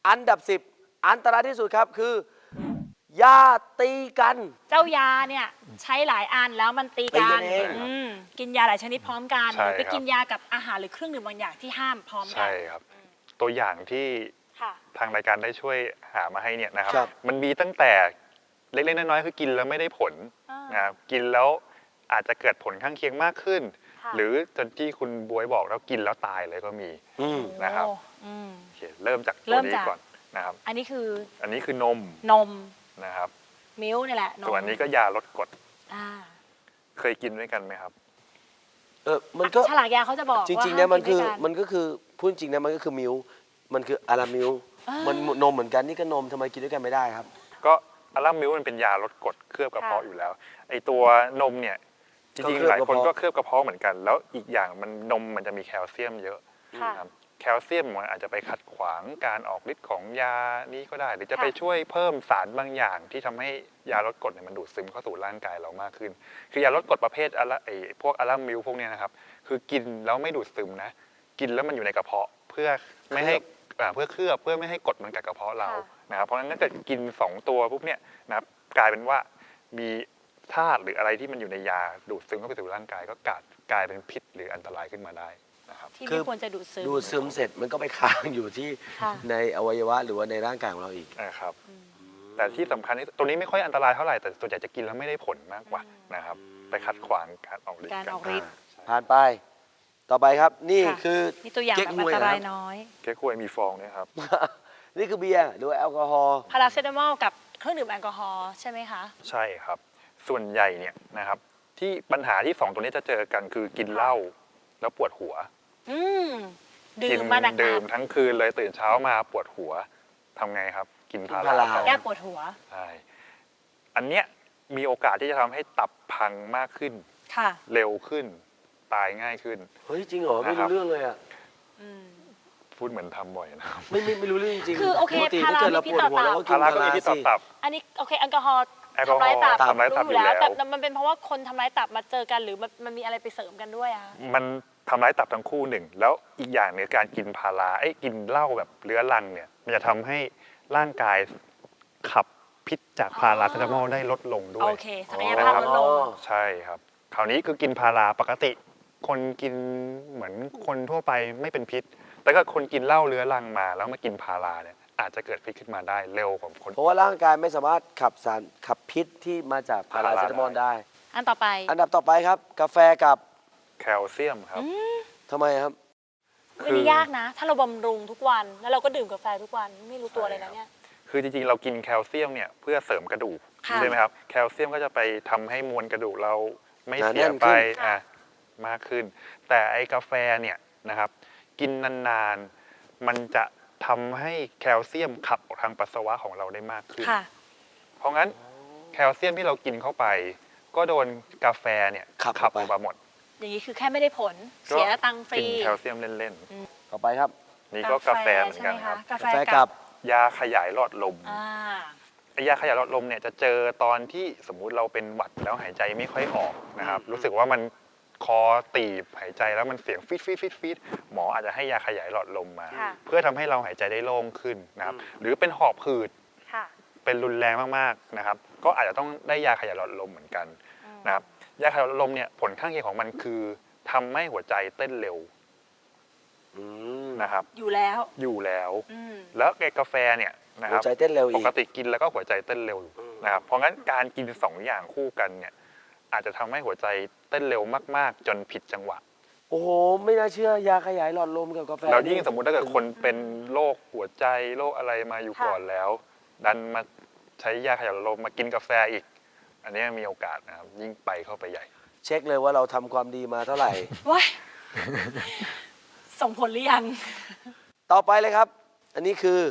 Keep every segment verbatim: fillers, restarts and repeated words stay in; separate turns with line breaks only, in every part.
อันดับสิบอันตรายที่สุดครับคือยาตีกัน
เจ้ายาเนี่ยใช้หลายอันแล้วมันตี
ตี
กั
กัน นเอง
อืมกินยาหลายชนิดพร้อมกันห
ใช่
รือไป
ครับ
กินยากับอาหารหรือเครื่องดื่มบางอย่างที่ห้ามพร้อมกั
ใช่ครับ ตัวอย่างที่
ค่ะ
ทางรายการได้ช่วยหามาให้เนี่ยนะครับ
ครับ
มันมีตั้งแต่เล็กๆน้อยๆคือกินแล้วไม่ได้ผล
อ่าน
นะครับกินแล้วอาจจะเกิดผลข้างเคียงมากขึ้น
ค่ะ
หรือจนที่คุณบวยบอกแล้วกินแล้วตายเลยก็มี
อืม
นะครับ
โอ้อืม
โอเคเริ่มจาก
เริ่
ตัว
ม
นี้
จาก
ก่อนนะครับ
อันนี้คือ
อันนี้คือนม
นม
นะครับ
มิ้วนี่แหละนม
ส่วนอันนี้ก็ยาลดกรด
อ่า
เคยกินด้วยกันไหมครับ
เออมันก็
ฉลากยาเขาจะบอก
จ
ว่า
ริงๆนะมันคือ
ห้ากิด้วยกั
มันก็คือพูดจริงนะมันก็คือมิวมันคืออารามิว
อ่ามั
มันนมเหมือนกันนี่ก็นมทำไมกินด้วยกันไม่ได้ครับ
ก็อัลลัมมิลมันเป็นยาลดกรดเคลือบกระเพาะ
ค่ะ
อยู่แล้วไอตัวนมเนี่ยจริง
ก็เคลือบ
ๆหลายคน
กระเพาะ
ก็เคลือบกระเพาะเหมือนกัน แล้วอีกอย่างมันนมมันจะมีแคลเซียมเยอะ
ค่ะ
นะครับแคลเซียมมันอาจจะไปขัดขวางการออกฤทธิ์ของยานี้ก็ได้ หรือจะ
ค่ะ
ไปช่วยเพิ่มสารบางอย่างที่ทำให้ยาลดกรดเนี่ยมันดูดซึมเข้าสู่ร่างกายเรามากขึ้น คือยาลดกรดประเภทอะไอพวกอัลลัมมิลพวกเนี้ยนะครับคือกินแล้วไม่ดูดซึมนะกินแล้วมันอยู่ในกระเพาะเพื่อไม่ให้อ่าเพื่อเคลือบเพื่อไม่ให้กรดมันกัดกระเพาะเรา
ค่ะ
นะครับเพราะฉะนั้นถ้าเกิดกินสองตัวปุ๊บเนี่ยนะครับกลายเป็นว่ามีธาตุหรืออะไรที่มันอยู่ในยาดูดซึมเข้าไปสู่ร่างกายก็กลายกลายเป็นพิษหรืออันตรายขึ้นมาได้นะครับ
ที่
คือ
ไม่ควรจะดูดซึม
ดูดซึมเสร็จมันก็ไปค้างอยู่ที่
ค่ะ
ในอวัยวะหรือว่าในร่างกายของเราอีก
นะครับแต่ที่สำคัญที่ตัวนี้ไม่ค่อยอันตรายเท่าไหร่แต่ส่วนใหญ่จะกินแล้วไม่ได้ผลมากกว่านะครับไปขัดขวางการออกฤทธิ์
การออกฤทธิ์
ใช่
ผ่านไป ต่อไปครับ นี่
ค่ะ
คือ
นี่ตัวอย่าง
เก๊ก
แบบ
ฮ
อั
วย
นต
เหรอ
รา
ค
ย
รับ
น้อย
เก๊กฮวยมีฟองเนี่ยครับ
นี่คือเบียร์หรือว่าแอลกอฮอล์
พาราเซตามอลกับเครื่องดื่มแอลกอฮอล์ใช่ไหมคะ
ใช่ครับ ส่วนใหญ่เนี่ยนะครับที่ปัญหาที่สองตัวนี้จะเจอกันคือกินเหล้าแล้วปวดหัว
อืมดื่
กิ
มมาหนัก
ดื่มทั้งคืนเลยตื่นเช้ามาปวดหัวทำไงครับ กินพา
พา
รา
รา
ๆแก้ปวดหัว
ใช่อันเนี้ยมีโอกาสที่จะทำให้ตับพังมากขึ้น
ค่ะ
เร็วขึ้น ตายง่ายขึ้น
เฮ้ยจริงเหรอไม่
นะครับ
รู้เรื่องเลยอ่ะ
อืม
พูดเหมือนทำบ่อยนะครับ
ไม่ไม่ไม่รู้เรื่องจริง
คือโอเค
ปกติ
พารา
ถ้าเกิดเรา
มี
ปวดหัว
พิษต่อ
เราก็กิ
พาน ราก็มีที่ต่อ
สิ
ตับ
อันนี้โอเคแอลกอฮอล์
แอลกอฮอล์
ทำร้ายตับ
ทำร้ายตับ
รู้อยู่แล้ว
อยู่แล้ว
แต่มันเป็นเพราะว่าคนทำร้ายตับมาเจอกันหรือมันมันมีอะไรไปเสริมกันด้วยอะ
มันทำร้ายตับทั้งคู่หนึ่ง แล้วอีกอย่างเนี่ยการกินพาราไอ้ยกินเหล้าแบบเรื้อรังเนี่ยมันจะทำให้ร่างกายขับพิษจากพาราเซตามอลได้ลดลงด้ว
โอย เคศักยภาพลดลง
ใช่ครับ คราวนี้คือกินพาราปกติ คนกินเหมือนคนทั่วไปไม่เป็นพิษ แต่ก็คนกินเหล้าเรื้อรังมาแล้วมากินพาราเนี่ยอาจจะเกิดพิษขึ้นมาได้เร็วกว่าคน
เพราะว่าร่างกายไม่สามารถขับสารขับพิษที่มาจากพาราเซตามอลได้
อันต่อไป
อันดับต่อไปครับ กาแฟกับ
แคลเซียมครับ
ทำไมครับ
อันนี้ยากนะ ถ้าเราบำรุงทุกวันแล้วเราก็ดื่มกาแฟทุกวันไม่รู้ตัวเลยนะเนี่ย
คือจริงๆ เรากินแคลเซียมเนี่ยเพื่อเสริมกระดูก
ค่ะ
ใช่ไหมครับ แคลเซียมก็จะไปทำให้มวลกระดูกเราไม่
หนา
เสี
แน่
ย
นขึ้น
ไป
ค่ะ
อ่ะมากขึ้น แต่ไอ้กาแฟเนี่ยนะครับกินนานๆ มันจะทำให้แคลเซียมขับออกทางปัสสาวะของเราได้มากขึ้น
ค่ะ
เพราะงั้นแคลเซียมที่เรากินเข้าไป ก็โดนกาแฟเนี่ย
ขับ
ขับ
ออกไป
ออกมาหมด
อย่างนี้คือแค่ไม่ได้ผล เสียตังค์ฟรี
กินแคลเซียมเล่น
ต่อไปครับ
ๆ นี่ก็กาแฟเหมือนกันครับ
ใช่ไหมะกาแฟ
กาแฟ
กั
กั
บบ
ยาขยายหลอดลม
อ่า
ไอ้ยาขยายหลอดลมเนี่ยจะเจอตอนที่สมมุติเราเป็นหวัดแล้วหายใจไม่ค่อยออกนะครับรู้สึกว่ามันคอตีบหายใจแล้วมันเสียงฟีดฟีดฟีดฟีดหมออาจจะให้ยาขยายหลอดลมมา
ค่ะ
เพื่อทำให้เราหายใจได้โล่งขึ้นนะครับหรือเป็นหอบหืด
ค่ะ
เป็นรุนแรงมากๆนะครับก็อาจจะต้องได้ยาขยายหลอดลมเหมือนกันนะครับยาขยายหลอดลมเนี่ยผลข้างเคียงของมันคือทำให้หัวใจเต้นเร็ว
อืม
นะครับ
อยู่แล้ว
อยู่แล้ว
อืม
แล้วไอ้กาแฟเนี่ยนะค
หัว
รับ
ใจเต้นเร็ว
ป
อีก
กติกินแล้วก็หัวใจเต้นเร็วนะครับ เพราะงั้นการกินสองอย่างคู่กันเนี่ยอาจจะทำให้หัวใจเต้นเร็วมากๆ จนผิดจังหวะ
โอ้โห ไม่น่าเชื่อยาขยายหลอดลมกับกาแฟ
แล้วยิ่งสมมุติถ้าเกิดคนเป็นโรคหัวใจโรคอะไรมาอยู่
ค่ะ
ก่อนแล้ว ดันมาใช้ยาขยายหลอดลมมากินกาแฟอีก อันนี้มีโอกาสนะครับยิ่งไปเข้าไปใหญ่
เช็คเลยว่าเราทำความดีมาเท่าไหร่
ว้ายส่งผลหรือยัง
ต่อไปเลยครับ อันนี้คือน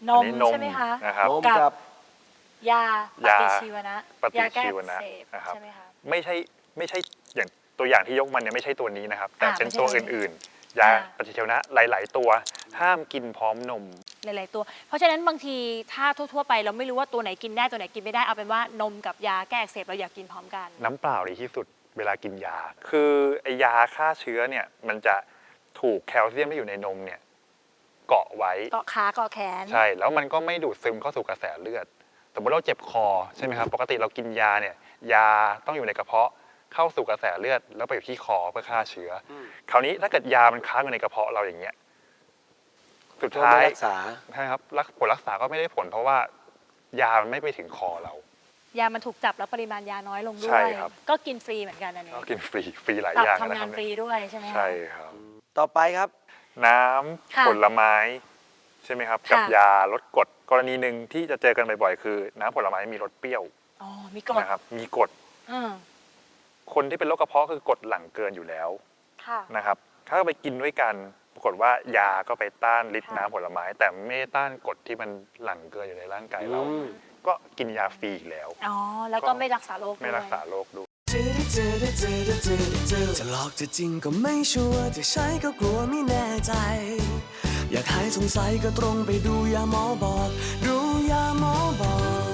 ม
อันนี้นม
ใช่ไหมคะ
นะครับ
นม
กับ
กับ
ยาป
ยา
ฏิชีวนะ
ปฏิ
ยาแก้
ชี
อั
ว
ก
นะ
เสบ
นะครับ
ใช่ไหมคะ
ไม่ใช่ไม่ใช่อย่างตัวอย่างที่ยกมันเนี่ยไม่ใช่ตัวนี้นะครับ แต่
อ่า
เป็น
ไม่ใช่
ตัว
ตัวนี้
อื่นๆ ยา
อ่า
ปฏิชีวนะหลาย ๆ ตัวห้ามกินพร้อมนม
หลาย ๆ ตัว เพราะฉะนั้นบางทีถ้าทั่ว ๆ ไปเราไม่รู้ว่าตัวไหนกินได้ตัวไหนกินไม่ได้เอาเป็นว่านมกับยาแก้อักเสบเราอยากกินพร้อมกัน
น้ำเปล่าดีที่สุดเวลากินยา คือไอยาฆ่าเชื้อเนี่ยมันจะถูกแคลเซียมที่อยู่ในนมเนี่ยเกาะไว้
เกาะขาเกาะแขน
ใช่ แล้วมันก็ไม่ดูดซึมเข้าสู่กระแสเลือด สมมติเราเจ็บคอใช่ไหมครับ ปกติเรากินยาเนี่ย ยาต้องอยู่ในกระเพาะ เข้าสู่กระแสเลือด แล้วไปอยู่ที่คอเพื่อฆ่าเชื้ออคราวนี้ถ้าเกิดยามันค้างอยู่ในกระเพาะเราอย่างเงี้ย สุด
ก็
ท้า
ไม่
ย
รักษา
ใช่ครับรักผลรักษาก็ไม่ได้ผล เพราะว่ายามันไม่ไปถึงคอเรา
ยามันถูกจับแล้วปริมาณยาน้อยลงด้
ใช่
วย
ครับ
ก็กินฟรีเหมือนกันอันนี้
ก็กินฟรี ฟรีหลาย
ตับ
อย่าง
ทำ
นะ
งา
คน รับ
ฟรีด้วยใช่ไหมคะ
ใช่ครับ
ต่อไปครับ
น้ำ
ค่ะ
ผลไม้ใช่ไหมครับ กับ
ค่ะ
ยาลดกรด กรณีหนึ่งที่จะเจอกันบ่อยๆ คือน้ำผลไม้มีรสเปรี้ยว
อ๋อมีกรด
นะครับ มีกรด
อืม
คนที่เป็นโรคกระเพาะคือกรดหลั่งเกินอยู่แล้ว
ค่ะ
นะครับ ถ้าไปกินด้วยกัน ปรากฏว่ายาก็ไปต้านฤทธิ์
ค่ะ
น้ำผลไม้ แต่ไม่ได้ต้านกรดที่มันหลั่งเกินอยู่ในร่างกายเรา
อืม
ก็กินยาฟรีอีกแล้ว
อ๋อแล้วก็ไม่รักษาโรค
ไม่
ด้วย
รักษาโรคด้วย
จะหลอกจะจริงก็ไม่ชัวร์จะใช้ก็กลัวไม่แน่ใจ อยากหายสงสัยก็ตรงไปดูยาหมอบอก ดูยาหมอบอก